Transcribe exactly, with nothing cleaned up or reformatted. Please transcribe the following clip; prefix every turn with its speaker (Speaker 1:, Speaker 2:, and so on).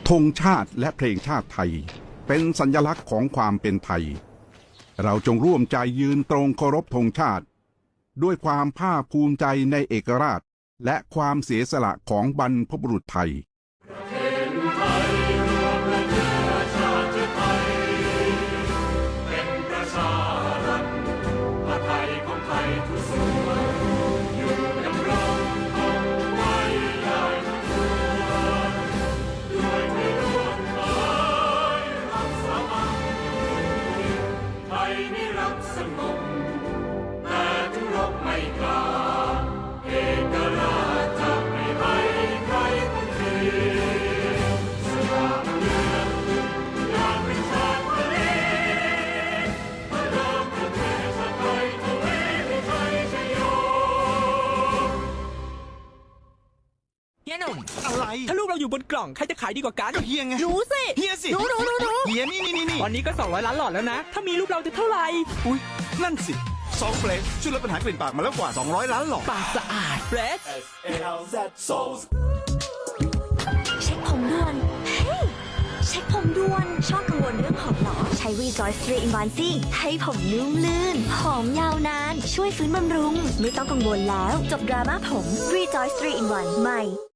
Speaker 1: ธงชาติและเพลงชาติไทยเป็นสัญลักษณ์ของความเป็นไทยเราจงร่วมใจยืนตรงเคารพธงชาติด้วยความภาคภูมิใจในเอกราชและความเสียสละของบรรพบุรุษไทย
Speaker 2: เฮียหนุ่ม
Speaker 3: อะไร
Speaker 2: ถ้าลูกเราอยู่บนกล่องใครจะขายดีกว่ากัน
Speaker 3: ก็เฮียไง
Speaker 2: รู้สิ
Speaker 3: เฮียสิ
Speaker 2: รู้รู้รู้รู้
Speaker 3: เฮียนี่นี่นี่นี่
Speaker 2: ตอนนี้ก็สองร้อยล้านหลอดแล้วนะถ้ามีลูกเราจะเท่าไหร่
Speaker 3: อุ้ยนั่นสิซองเฟรชช่วยลดปัญหากลิ่นปากมาแล้วกว่าสองร้อยล้านหลอด
Speaker 2: ปากสะอาดเฟรช
Speaker 4: เช็คผมด่วน เฮ้ย เช็คผมด่วน ชอบกังวลเรื่องผมเหรอ ใช้ Rejoice ทรี in วัน สิ ให้ผมนุ่มลื่น หอมยาวนาน ช่วยฟื้นบำรุง ไม่ต้องกังวลแล้ว จบดราม่าผม Rejoice ทรี in วัน ใหม่